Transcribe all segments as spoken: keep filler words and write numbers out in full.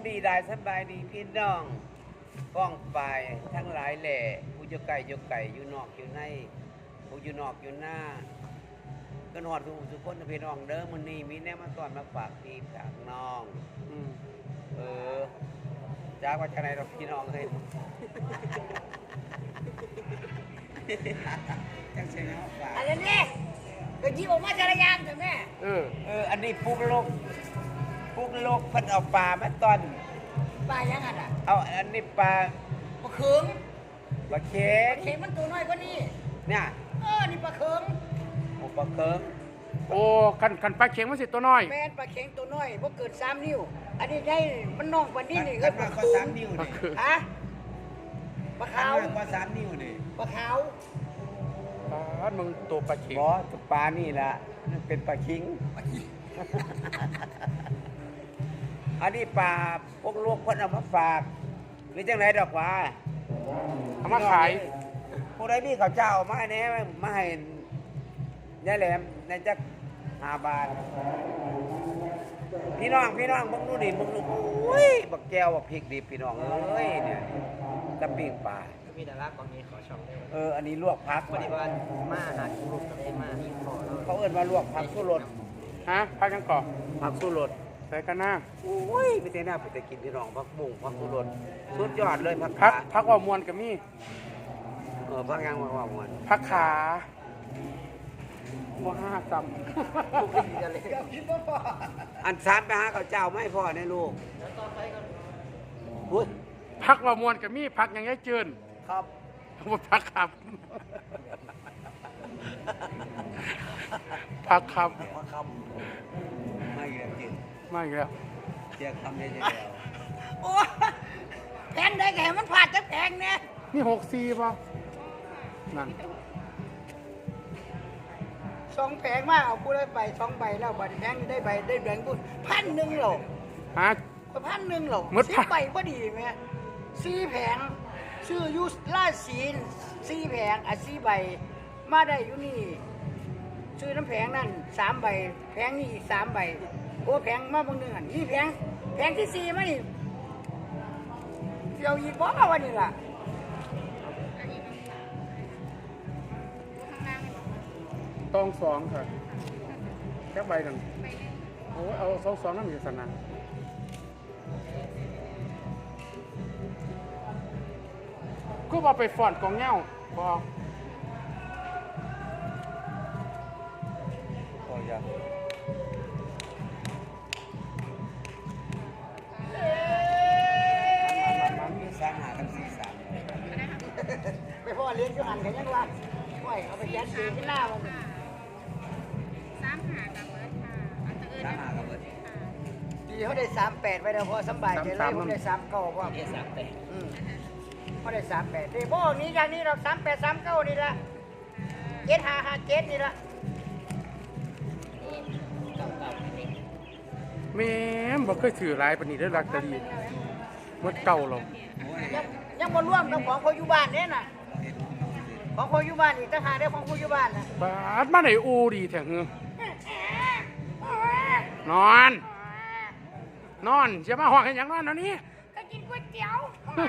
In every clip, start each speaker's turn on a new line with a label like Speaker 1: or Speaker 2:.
Speaker 1: ดีได้สบายดีพี่น้องฟ้องไปทั้งหลายแหล่ผู้อยู่ไก่อยู่ไก่อยู่นอกอยู่ในผู้อยู่นอกอยู่หน้าก็นอดทุกทุกคนพี่น้องเด้อมื้อนี้มีแนวมาตอนมาฝากพี่ฝากน้องอืมเออจากว่าจะไหนเราพี่น้องเฮ้ยจังเสียงเขาฝาก
Speaker 2: อะไรเนี่ยก็ยิ้มออกมาจารยานเถอะแม่
Speaker 1: เออเอออันนี้ปุ๊กโลกปุ๊กโลกเพิ่นเอาปลามาตอน
Speaker 2: ปลายังไงอ่ะ
Speaker 1: เอาอันนี้ปลา
Speaker 2: ปลาเขือง
Speaker 1: ปลาเค็ง
Speaker 2: ปลาเขืองมันตัวน้อยกว่านี้
Speaker 1: เนี่ย
Speaker 2: เออนี่ปลาเขือง
Speaker 1: โอ้ปลาเค็ง
Speaker 3: โอ้ขันขันปลาเค็งมันสิตัวน้อย
Speaker 2: แม่นปลาเขืองตัวน้อยพวกเกิดสามนิ้วอันนี้ได้มันน้องกว่านี้นี่ก็ปลาเขืองฮะปลาขาว
Speaker 1: กว่าสามนิ้วนี่
Speaker 2: ปลาขาว
Speaker 3: ปลามึงตัวปลาเค็ง
Speaker 1: บ่ตัวปลานี่ล่ะมันเป็นปลาคิงอันนี้ปลาพวกลูกเพิ่นเอามาฝากหรือจังไดดอกว่า
Speaker 3: เอามาขาย
Speaker 1: ผู้ใดมีข้าวเจ้ามาให้แหน่มาให้ยายแหลมในจักห้าบาทพี่น้องพี่น้องมึงดูดิมึงดูโอ้ยบักแก้วบักพริกดิบพี่น้องเอ้ยเนี่ยตะปิ้งปลา
Speaker 4: มีดาราก่อนนี้ขอช่องได้
Speaker 1: เอออันนี้ลวกผัก
Speaker 4: ปฏิบัติมาหาลูกกับได้มาที่พ่อแล้ว
Speaker 1: เขาเอิ้นว่าลวกผักสู้รส
Speaker 3: ฮะพักกันก่อน
Speaker 1: ผักสู้รส
Speaker 3: ใส่กันหน้า
Speaker 1: โอ้ยไม่ใช่หน้าไปแต่กินพี่น้องผักบุ้งผักสู้รสสุดยอดเลยผัก
Speaker 3: พักพักว่ามวนกับมี่
Speaker 1: เออพักยังว่าว่ามวน
Speaker 3: พักขาว่าห้าจำ
Speaker 1: อันสามไปหาข้าวเจ้าไม่พอในลูกอุ้ย
Speaker 3: พักว่ามวนกับมี่พักยังไงเจิน
Speaker 1: ครับ
Speaker 3: ว่าพักครับพักครับ
Speaker 1: พักคำไม่เกี่ยวกิน
Speaker 3: ไม่เกี่ยว
Speaker 1: เกี่ยวคำนี้เดียว
Speaker 2: โอ้แพงได้แค่มันผ่านจะแพงเนี่ย
Speaker 3: นี่หกสี่ป่ะนั่น
Speaker 2: สองแพงมากเอาผู้ได้ไปสองใบแล้วบัตรแพงได้ใบได้แบงค์บุญพันหนึ่งหรอ
Speaker 3: ฮะ
Speaker 2: พันหนึ่งหรอสิบใบพอดีไหมสี่แผงชื่อยุสลาศีนสี่แผงอ่ะสี่ใบมาได้อยู่นี่ชื่อน้ำแผงนั่นสามใบแผงนี่อีกสามใบโอ้แผงมาบางหนึ่งอันนี่แผงแผงที่สี่มานี่เดี๋ยวอีกบ่มาวันนี้ล่ะ
Speaker 3: ตองสองค่ะแค่ใบหนึ่งโอ้เอาสองสองนั่นอยู่สนานก็ว่าไปฟอนกองเงาบอก
Speaker 1: พอยังมีสามหากับสี่สาม
Speaker 2: ไปพ่อเลี้ยงอยู่หันกันยังว่าไหวเอาไปแย่สีที่หน้ามัน
Speaker 5: สามหากับเบิร์ดค่ะอันตะเอิญ
Speaker 1: สามหากับเบิร์ด
Speaker 2: ดีเขาได้สามแปดไปแล้วพอสบายใจเลยเขาได้สามเก้าพ่อ
Speaker 4: เอสามแปด
Speaker 2: เขาได้สามแปดดีพวกนี้อย่างนี้เราสามแปดสามเก้านี่ละเจ็ดห้าห้าเจ็ดนี่ละ
Speaker 3: แม่บ่เคยถือลายปานนี้ได้ลักตะลีหมดเก่าหรอก
Speaker 2: ยังยังบ่ร่วมกับของคนอยู่บ้านเนี่ยน่ะของคนอยู่บ้านอีกต่างหากได้ของคนอยู่บ้านน่ะ
Speaker 3: บาดมาไหนอูดีแท้หือนอนนอนจะมาห้องให้หยังนอนเดี๋ยวนี้
Speaker 2: ก็กินก๋วยเตี๋ยว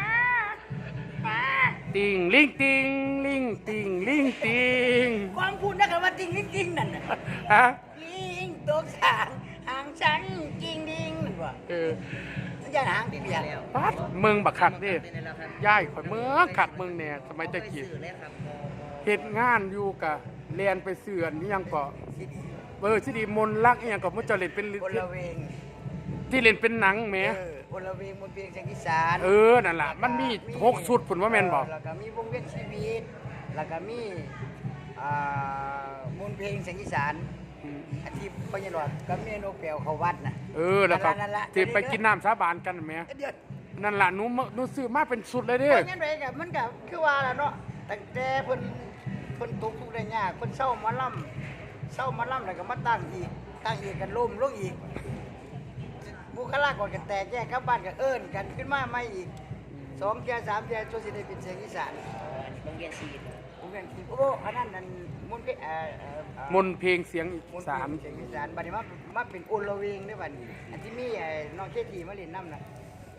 Speaker 3: ติงลิงติงลิงติงลิงติง
Speaker 2: ความพูดนักว่าติงลิงติงนั่นน่ะ
Speaker 3: ฮะ
Speaker 2: ลิงตัวสางหางฉันจริงดิงนั่นว่ะ
Speaker 3: เออ
Speaker 2: อย่าหางพี่เบียร์
Speaker 3: ปั๊บมึงบักคักดิย่ายข่อยเมืองคักมึงเนี่ยสมัยตะกี้เฮ็ดงานอยู่กะเรียนไปเสื่อนนี่ยังก็เออสิดีมนรักอีหยังก็บ่จะเล่นเป็น
Speaker 2: คนละเวง
Speaker 3: ที่เล่นเป็นหนังแหม
Speaker 2: เออคนละเวงมนต์เพลงเสียงอีสาน
Speaker 3: เออนั่นล่ะมันมีหกชุดพุ่นว่าแม่นบ่
Speaker 2: แล้วก็มีวงเวียนชีวิตแล้วก็มีอ่ามนต์เพลงเสียงอีสานอาทิตย์พญานาคก็มีนกแก้วเข้าวัดน่ะ
Speaker 3: เออแล้วก็ที่ไปกินน้ำสาบานกันแหมนั่นล่ะหนูหนูซื้อมาเป็นชุดเลยเด้
Speaker 2: องั้นไดก็มันก็คือว่าล่ะเนาะตั้งแต่เพิ่นเพิ่นตกทุกข์ได้ยากเพิ่นเศร้ามาล่ำเศร้ามาล่ำแล้วก็มาตั้งอีกตั้งอีกกันล้มลงอีกบุคลากรกันแตกแยกกลับบ้านก็เอิ้นกันขึ้นมาใหม่อีกสองเที่ยสามเที่ยจนสิได้เป็นเสียงอีสาน
Speaker 4: โรงเรียนชีวิต
Speaker 2: โรงเรียนชีวิตโอ้อันนั้นนั่นมนต์เพลงเอ่อ
Speaker 3: มนต์เพลงเสียงอีสาน
Speaker 2: เสียงอีสานบัดนี้มามาเป็นโอละเวงได้บัดนี้อันที่มีไอ้น้องเคทีมาเล่นนำน่ะ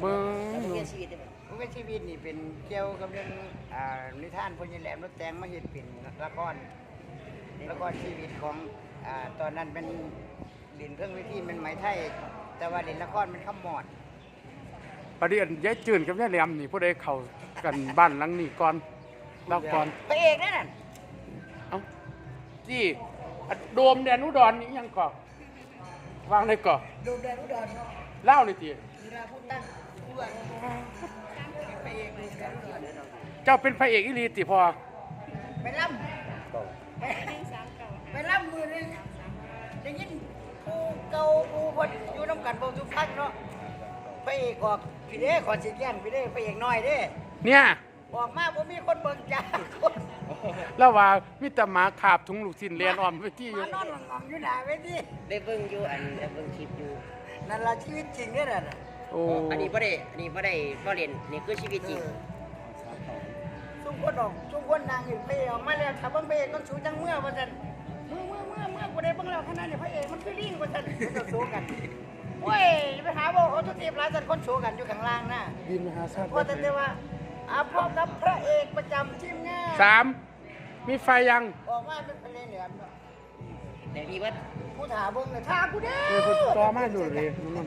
Speaker 3: เบิ่
Speaker 4: แล้ว
Speaker 3: ง
Speaker 4: วงเวียนชีวิตได้ไหม
Speaker 2: วงเวียนชีวิตนี่เป็นเกี่ยวกับเรื่องอ่านิทานพญาแหลมรถแตงมาเฮ็ดเป็นละครละครชีวิตของอ่าตอนนั้นเป็นเล่นเครื่องวิธีเป็นไหมไทย แต่ว่าเล่นละครเป็นขมอด
Speaker 3: ประเดี๋ยวยายจืนกับยายแหลมนี่ผู้ใดเข้ากันบ้านหลังนี้ก่อนเล่าก่อน
Speaker 2: พระเอกนั่นน่ะ
Speaker 3: เอ้าจี้อะโดมแดนอุดรนี่ยังก่อวางได้ก่อ
Speaker 2: ดูแดนอุดรเนาะ
Speaker 3: เล่าเลยติ
Speaker 2: เวลาพูดตั้งผู้ว่าพระเอกดูแดนอุดร
Speaker 3: เจ้าเป็นพระเอกอีหลีติพอ
Speaker 2: ไปล่ำไปไปล่ำมือนึงได้ยินผู้เก่าผู้คนอยู่น้ำกันบ่ทุกพักเนาะพระเอกออกพี่เด้ขอสิแก่นพี่เด้พระเอกน้อยเด้
Speaker 3: เนี่ย
Speaker 2: ออกมาบ่มีคนเบิ่งจ้าคน
Speaker 3: แล้วว่ามีแต่หมาขาบถุงลูกชิ้นเรียนออมไปที่อยู่
Speaker 2: มานอนงองๆอยู่หน้าเวที
Speaker 4: ได้เบิ่งอยู่อันได้เบิ่งคลิปอยู่
Speaker 2: นั่นล่ะชีวิตจริงเด้อน่ะ
Speaker 3: โอ้
Speaker 4: อันนี้บ่ได้อันนี้บ่ได้บ่เล่นนี่คือชีวิตจริง
Speaker 2: ซุ่มคนออกซุ่มคนนางอยู่พระเอกออกมาแล้วถ้าเบิ่งพระเอกต้องสูจังเมื่อว่าซั่นเมื่อเมื่อเมื่อเมื่อบ่ได้เบิ่งแล้วขนาดนี้พระเอกมันคือลิงว่าซั่นมันจะสู้กันโอ้ยไปหาบ่โอทุกทีหลายซั่นคนสู้กันอยู่ข้างล่างน่ะ
Speaker 3: บินมหาชาติ
Speaker 2: พอแต่แต่ว่าอาพบกับพระเอกประจำทีมงาน
Speaker 3: สามมีไฟยัง
Speaker 2: ออกมาเป็นเพลงเหลือมเนาะ
Speaker 4: แต่พี่ว่า
Speaker 2: ผู้ถาเบิ่งน่ะท่ากูเด้อ
Speaker 3: เออคุณต่อมาอยู่เลยนั่น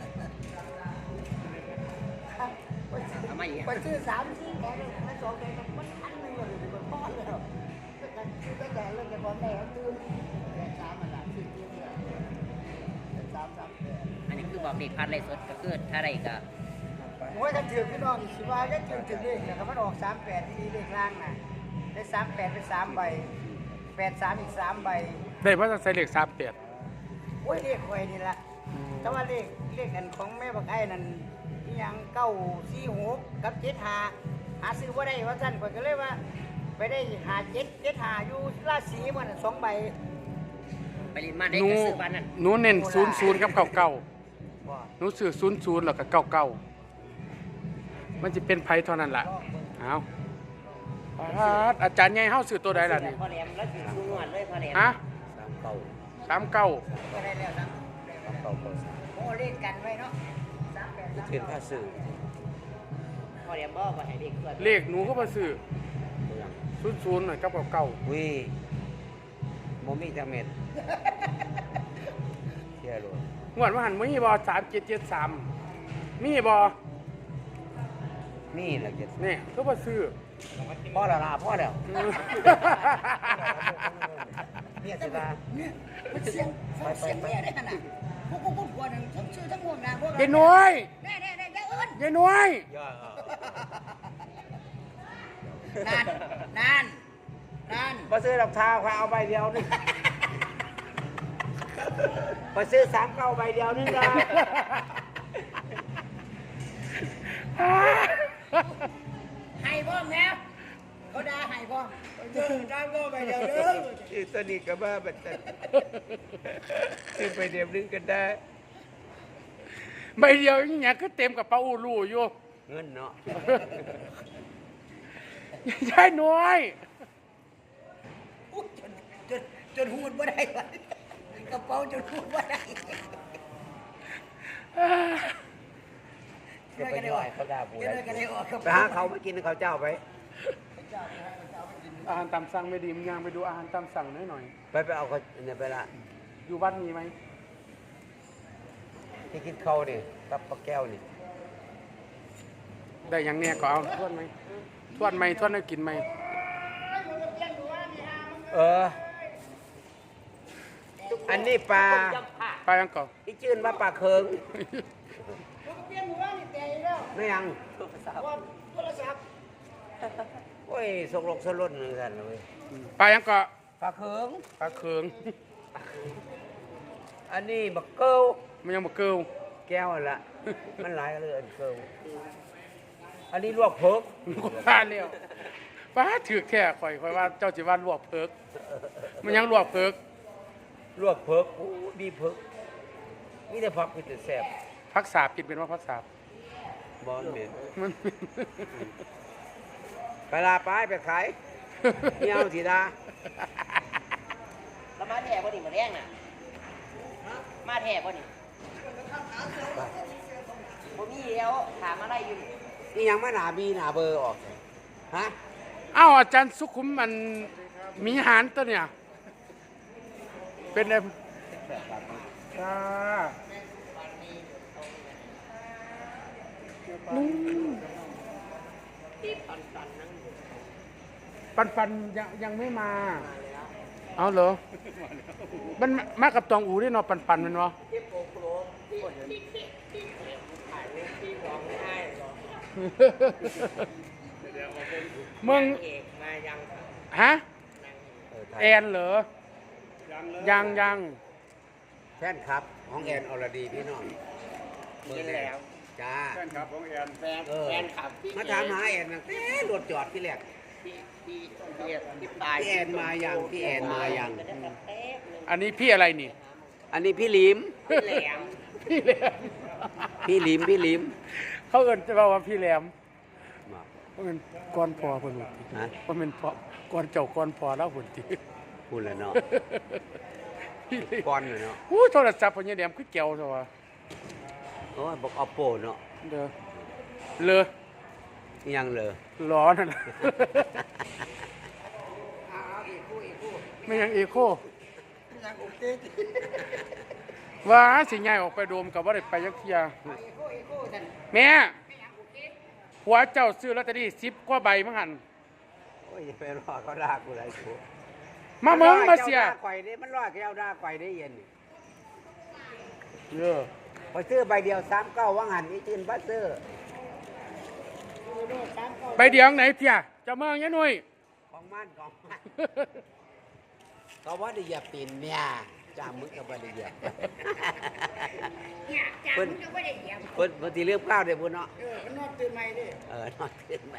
Speaker 4: เอามาอีก
Speaker 2: ไปซื้อสามสี่แกเลยไม่สองแกก็มันอันหนึงเลยเบิ่งพ่อแล้วก็กันซื้อไปแกเรื่องแกบ่แม่เขาตื่นแกสามมันล่ะซื้อเดียวเดียวแกสามสามแก
Speaker 4: อันนี้คือบอกเด็กพัดไรสดก็คือถ้าไรก็
Speaker 2: โอ้ยกันถือพี่น้องสิว่าก็ถือถือเลขนะครับมันออกสามแปดที่เลขล่างน่ะได้สามแปดเป็นสามใบแปดสามอีกสามใบ
Speaker 3: ได้ว่าจะใส่เหล็กสามเปียด
Speaker 2: โอ้ยเลขคอยนี่ละแต่ว่าเลขเลขอันของแม่บักไอ้นั่นอิหยังเก้าสี่หกกับเจ็ดหาหาซื้อว่าได้ว่าสั้นข่อยก็เลยว่า ไปได้หาเจ็ดเจ็ดหาอยู่ราชสีมันนะสองใบ
Speaker 4: ไปเรียนมาได้
Speaker 3: หนู
Speaker 4: ก็ซื้อบ้านนั่น
Speaker 3: หนูเน้นศูนย์ศูนย์กับเก่าเก่า
Speaker 2: บ่
Speaker 3: หนูซื้อศูนย์ศูนย์แล้วก็เก่าเก่ามันจะเป็นไผเท่านั้นล่ะเอาอาจารย์ใหญ่เฮาซื้อตัวใดล่ะนี่
Speaker 4: พอแหลมแล้วอยู่ชูนวดเลยพอแหลม
Speaker 3: ฮะ
Speaker 1: สามเก้า
Speaker 3: สามเก้า
Speaker 2: ก็ได้แล้วนะ
Speaker 1: สามเก้าเก้าสาม
Speaker 2: โอ้เลขกันไว้เนาะสามแปดสาม
Speaker 1: เทียนผ้าสื่อ
Speaker 4: พอแหลมบอกว่าให้เด็กเกิด
Speaker 3: เลขหนูก็มาซื้อ
Speaker 1: เมือง
Speaker 3: ศูนย์ศูนย์หน่อยกับเก่าเก่า
Speaker 1: วิโมมีจังเม็ดเที่ยวโลด
Speaker 3: งวดว่าหันมีบอสามเจ็ดเจ็ดสามมีบอ
Speaker 1: นี่แหละเจ็ด
Speaker 3: เนี่ยก็มาซื้อ
Speaker 1: พ่อแล้วล่ะพ่อแล้วเนี่ยสิลา
Speaker 2: เนี่ยมันเสียงเสียงแม่ได้ขนาดพวกพวกพวกพวกนึงทั้งชื่อทั้งห่วงนาพวก
Speaker 3: ยายน้อย
Speaker 2: แน่แน่แน่ยายเอิญ
Speaker 3: ยายน้อย
Speaker 1: ย่อ
Speaker 2: นานนานนาน
Speaker 1: มาซื้อดอกทาวค่ะเอาใบเดียวนึงมาซื้อสามเก้าใบเดียวนึงนะ
Speaker 2: ให้พ่อมแล้วเขาด่าให้พ่อมเจอด่าพ่อไปเดี๋ยวเด้อ
Speaker 1: อีสนิทกับบ้าบัดจันซื้อไปเดียวนึงก็ได้
Speaker 3: ใบเดียวอย่างเงี้ยก็เต็มกับเป๋าอูรูอยู่
Speaker 1: เงินเนาะ
Speaker 3: ยายน้อย
Speaker 2: อุ๊ยจนจนจนหูดบ่ได้วะกระเป๋าจนหูดบ่ได้
Speaker 1: จะไปย่อยเขาด่าปู
Speaker 2: เดี๋ยวก็ได้ออกกระ
Speaker 1: ไป
Speaker 2: เป๋า
Speaker 1: หาเขาไปกินเขาวเจ้าไป
Speaker 3: อาหารตามสั่งไม่ดีมึงยังไปดูอาหารตามสั่งหน่อยหน่อย
Speaker 1: ไปไปเอาเขาเนี่ยไปละ
Speaker 3: อยู่บ้านมีไหม
Speaker 1: ที่กินเขาเนี่ยกับปลาแก้วนี่
Speaker 3: ได้อย่างเนี้ยก็เอาทวนไหมทวนไหมทวนให้กินไหม
Speaker 1: เออ อันนี้ปลา
Speaker 3: ไปยังก่อน
Speaker 1: ที่จื่นว่าปลาเคิง
Speaker 2: เปลี่ยนหมู่บ้านนี่แต่อีกแล้ว
Speaker 1: ไม่ยัง
Speaker 2: ว่าโทรศัพท์
Speaker 1: โอ้ยสกลกสลดเหมือนกันเลย
Speaker 3: ไปยังก่อน
Speaker 1: ปลาเคิง
Speaker 3: ปลาเคือง
Speaker 1: อันนี้บักเกิล
Speaker 3: มันยังมาเกิล
Speaker 1: แก้วนั่นละมันหลายเลยอันเกิลอันนี้ลวกเพิก
Speaker 3: ก็ว่าเร็วป้าถือแค่ข่อยข่อยว่าเจ้าจิว่าลวกเพิกมันยังลวกเพิก
Speaker 1: ลวกเพิกโอ้ดีเพิกนี่แต่ผักคือแต่แซ่บ
Speaker 3: พักสาบกินเป็นว่าพักสาบบ
Speaker 1: อลเหม็น
Speaker 3: มัน
Speaker 1: ไปลาไปไปขายเมียวสีดา
Speaker 4: แล้วมาแท้บ่นี่มาแรงน่ะมาแท้บ่นี่บ่มีแล้ยวถามอะไรอยู่
Speaker 1: นี่ยังมาหนาบีหนาเบอร์ออกฮะ
Speaker 3: เอ้าอาจารย์สุขุมมันมีหารตัวเนี่ย เป็นไงจ้าอืมปันปันยังยังไม่มา เอาเหรอ มันมากับตองอูด้วยเนาะปันปันมันวะมึง
Speaker 4: เอกมายัง
Speaker 3: ฮะ
Speaker 1: เออไทย
Speaker 3: แอนเหรอ ยังยัง
Speaker 1: แฟนครับของแอนอรดีพี่น้องเบอร์แล้วจ้า
Speaker 3: แฟนครับของแอน
Speaker 4: แฟน
Speaker 1: เออ
Speaker 4: แฟนขับ
Speaker 1: มาถามหาแอนนะเอ๊ะรถจอดที่แรก
Speaker 4: พี่พี่พี่พี่ปลาย
Speaker 1: พี่แอนมายังพี่แอนมายัง
Speaker 3: อันนี้พี่อะไรนี่
Speaker 1: อันนี้พี่หลิม
Speaker 4: พี่แหลม
Speaker 3: พี่แหลม
Speaker 1: พี่หลิมพี่หลิม
Speaker 3: เขาเอินจะบอกว่าพี่แหลมเพราะเป็นก้อนพอเพิ่นหมดที
Speaker 1: ฮะ
Speaker 3: เพราะเป็นพอก้อนเจ้าก้อนพอแล้วหุ่นที
Speaker 1: พูดแล้วเนาะก้อนเลยเนาะ
Speaker 3: อู้โทรศัพท์เพิ่นยังแหลมคือแก้วซะวะ
Speaker 1: โอ้ยบอกเอาโปเนาะ
Speaker 3: เด้อเลอ
Speaker 1: ยังเลย
Speaker 3: ร้อนนั่นน่ะไม่ยังเอโคว่าสิย้ายออกไปโดมกับว่าได้ไปยักเที่ยแม่หัวเจ้าซื้อลอตเตอรี่สิบกว่าใบมั้งหัน
Speaker 1: โอ้ยอย่าไปรอเขาด่ากูเลยกู
Speaker 3: มาเมืองมาเสีย
Speaker 1: จ้ด่ข่อยนี่มันรอดแก้วด่าข่อยได้เย็นนี่
Speaker 3: เออ
Speaker 1: พอซื้อใบเดียวสามเก้าว่างหันนี่จืนบัสเซอร์
Speaker 3: ใบเดียวไหนเพียเจ้าเมืองยะหนุ่ย
Speaker 1: ของมันของมันเขาว่าได้เหยียบตีนเนี่ยจ้ามึงกับว่าได้เหยียบ
Speaker 2: เนี่ยจ้า
Speaker 1: เพิ่น
Speaker 2: มึงก็ไม่ได้เหยียบ
Speaker 1: เพิ่นเพิ่นสิเลือกข้าวได้พุ่นเนาะ
Speaker 2: เออมันนอนตื่นใหม่ดิ
Speaker 1: เออนอนขึ้นไหม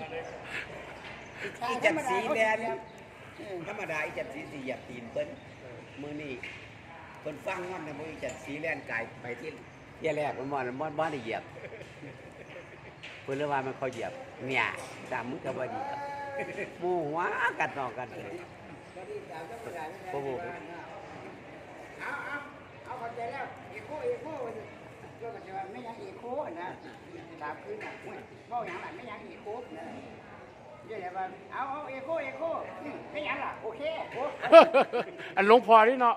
Speaker 1: อีจัดสีแดงธรรมดาอีจัดสีสีเหยียบตีนเพิ่นมือนี่เพิ่นฟังมันนะบ่อีจัดสีแล่นกายไปที่เที่ยแรกมันบ่มันบ่บ่ได้เหยียบเพิ่นเลยว่ามันเขาเหยียบเนี่ยจ้ามึงกับว่าดีครับหมู่หัวกันนอกกันเลยโอ้โห
Speaker 2: เอาเอาเอาเข้าใจแล้วเอโคเอโคก็มันจะว่าไม่ยังเอโคนะตามคืนน่ะอุ้ยเว้าหยังล่ะไม่ยังเอโคนะเดี๋ยวว่าเอาเอาเอโคเอโคนี่ไม่ยังล่ะโอเคโอ้
Speaker 3: อันหลวงพอนี่เนาะ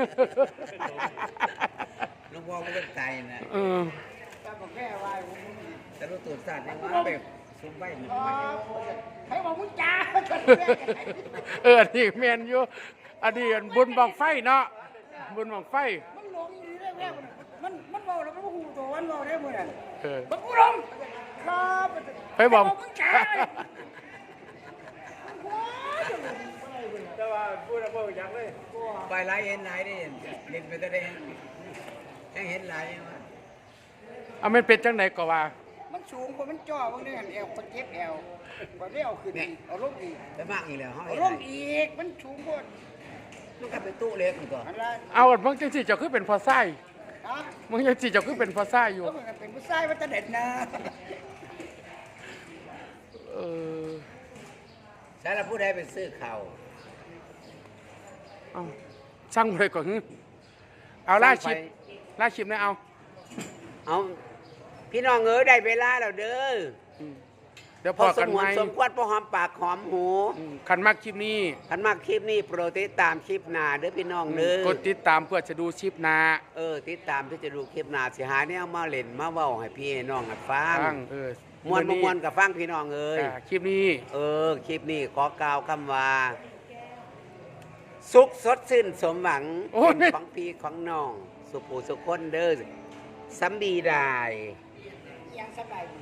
Speaker 1: หลวงพ่อก็เป็นไตนะ
Speaker 3: เออ
Speaker 2: ตาบอกแค่ว่าผม
Speaker 1: แต่รู้ตัวสัตว์ยังว่าไปซุ่มไว้มัน
Speaker 2: อ๋อ
Speaker 1: ไม่
Speaker 2: ให้บอกมึงจ้า
Speaker 3: เอออันนี้แมนอยู่อันนี้อันบุญบังไฟเนาะบุญบังไฟ
Speaker 2: มันหลงอยู่ได้แม่มันมันเบาแล้วมันหูตัวมันเบาได้หมดอ่ะ
Speaker 3: เออ
Speaker 2: มันกูลงครับ
Speaker 3: ไปบอก
Speaker 2: มึงจ้า
Speaker 3: แต่ว่าพูดแล้วบ่อยากเลย
Speaker 1: ไปไล่เห็นไล่ได้เห็นเล่นไปก็ได้ยังเห็นไล่ยังวะ
Speaker 3: เอามันเป็นจังไหนก็ว่า
Speaker 2: มันสูงกว่ามันจ่อบางเรื่องแอลมันเจ็บแอลกว่าได้เอาขึ้นอีกเอาลงอีก
Speaker 1: ไปมากอีกแล้วเขา
Speaker 2: เอา
Speaker 1: เห็น
Speaker 2: ล
Speaker 1: ไล่
Speaker 2: งอีกมันสูงกว่า
Speaker 1: มันก็เป็นตู้เล็กมันก่อน
Speaker 2: อันละ
Speaker 3: เอาอันบางจังสิเจ้าคือเป็นพอไส้
Speaker 2: ฮะ
Speaker 3: บางจังสิเจ้าคือเป็นพอไส้อยู่
Speaker 2: ก็เหมือนกับเป็นผู้ชายมันจะเด็ดนะ
Speaker 3: เออ
Speaker 1: ใช่แล้วผู้ใดไปซื้อเข่า
Speaker 3: เอาช่างเลยก่อนเอาล่าชิปล่าชิปนะเอา
Speaker 1: เอาพี่น้องเอ๋ยได้เวลาแล้วเด้อ
Speaker 3: อืมเดี๋ยว
Speaker 1: พ
Speaker 3: พ
Speaker 1: อ
Speaker 3: อ
Speaker 1: ส
Speaker 3: กัน
Speaker 1: ม
Speaker 3: ไห
Speaker 1: ว
Speaker 3: ม
Speaker 1: รสมควรพอหอมปากหอมหู
Speaker 3: อืมคันมากคลิปนี้
Speaker 1: คันมากคลิปนี้โปรดติดตามคลิปหน้าเด้อพี่น้องเด้อก
Speaker 3: ดติดตามเพื่อจะดูชิปหนา
Speaker 1: เออติดตามที่จะดูคลิปหน้าสิหาเนี่ยมาเล่นมาเว้าให้พี่ให้น้องกันฟัง
Speaker 3: ฟังเออ
Speaker 1: มวนบ่มวนกับฟังพี่น้องเอ้ย
Speaker 3: อ่าคลิปนี้
Speaker 1: เออ คลิปนี้ขอกล่าวคำว่า สุขสดชื่นสมหวัง
Speaker 3: โอ้ย
Speaker 1: เป็นของพี่ของน้อง สุขูสุขคนเด้อสัมบีได้
Speaker 2: ยังสบายดี